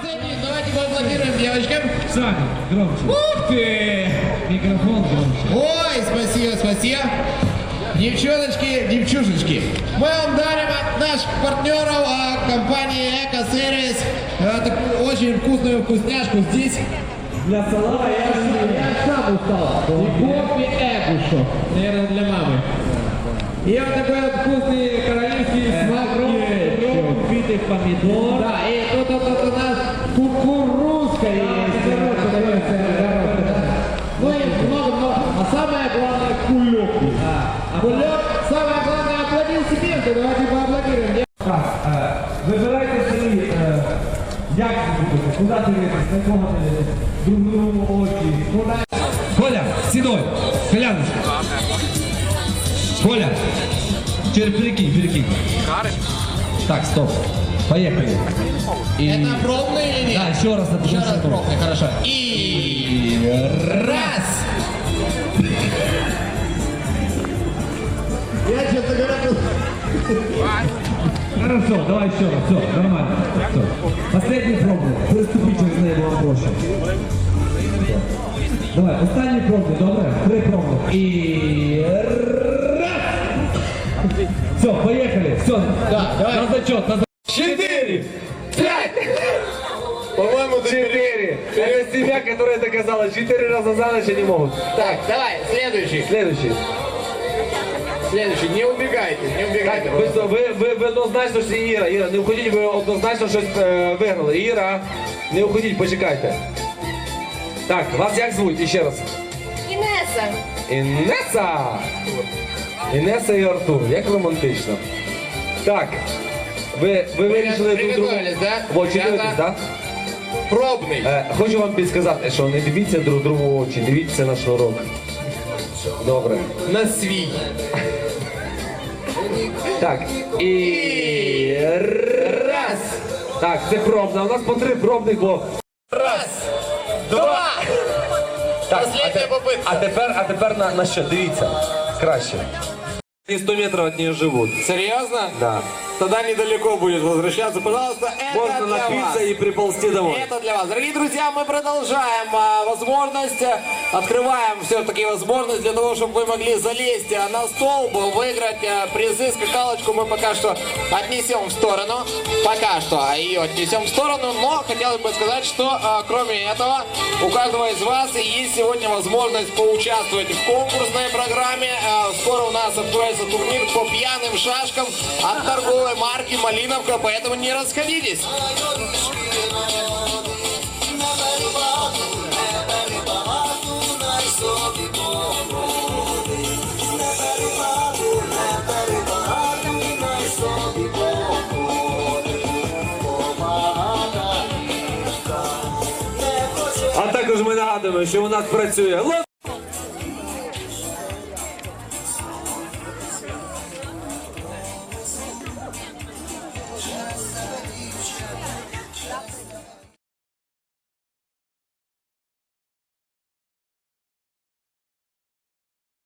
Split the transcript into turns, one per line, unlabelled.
Давайте поаплодируем девочкам.
Саня, громче. Ух ты! Микрофон громче.
Ой, спасибо, спасибо. Девчоночки, девчушечки, мы вам дарим от наших партнеров компании Эко-сервис такую очень вкусную вкусняшку здесь.
Для стола я сам устал.
И кофе Экушо, наверное, для мамы. И вот такой вот вкусный королевский смак
битых помидор.
Да, и тут у нас кукурузка есть. Ну и много-много. А самое главное кулек. Кулек, самое главное, аплодисменты. Давайте поаплодируем.
Так, вибирайте собі, як ви будете, куди дивитесь, на кого дивитесь, друг другу очі, куди. Коля, сідой, Коляночка. Коля, перекинь. Так, стоп, поехали.
Это пробный или нет?
Да, еще раз напиши.
Еще раз пробный, хорошо. И раз. Я, честно говоря,
Хорошо, давай еще раз, все, нормально. Все. Последний пробный, приступи через неї було проще. Давай, останній пробний, добре? 3 пробних. И раз! Все, поехали, все.
Да, давай.
На зачет, на зачет.
4, 5. По-моему, 4. Это семья, которая доказала, 4 раза за ночь они могут.
Так, давай, следующий.
Следующий.
Следующий, не убегайте, не убегайте.
Ви однозначно що Іра. Іра, не уходіть, ви однозначно щось виграли. Іра, не уходіть, почекайте. Так, вас як звуть? І ще раз.
Інеса.
Інеса! Інеса і Артур, як романтично. Так, ви вирішили друг другу.
Приготовились, да?
В очі дивитесь, так?
Пробный.
Хочу вам підсказати, що не дивіться друг другу в очі, дивіться на шнурок. Добре.
На свій.
Так, і раз. Так, це пробна. У нас по 3 пробних було.
Раз, два.
Так,
Последняя попытка.
а тепер на що? Дивіться. Краще. И 100 метров от нее живут.
Серьезно?
Да.
Тогда недалеко будет возвращаться. Пожалуйста, это
Можно
для
напиться
вас.
и приползти домой.
Это для вас. Дорогие друзья, мы продолжаем возможность, открываем все-таки возможность для того, чтобы вы могли залезть на столб, выиграть призы. Скакалочку мы пока что отнесем в сторону. Пока что ее отнесем в сторону, но хотелось бы сказать, что кроме этого, у каждого из вас есть сегодня возможность поучаствовать в конкурсной программе. Скоро у нас откроется турнир по пьяным шашкам от торговой марки «Малиновка», поэтому не расходитесь.
А також ми нагадуємо, що у нас працює лот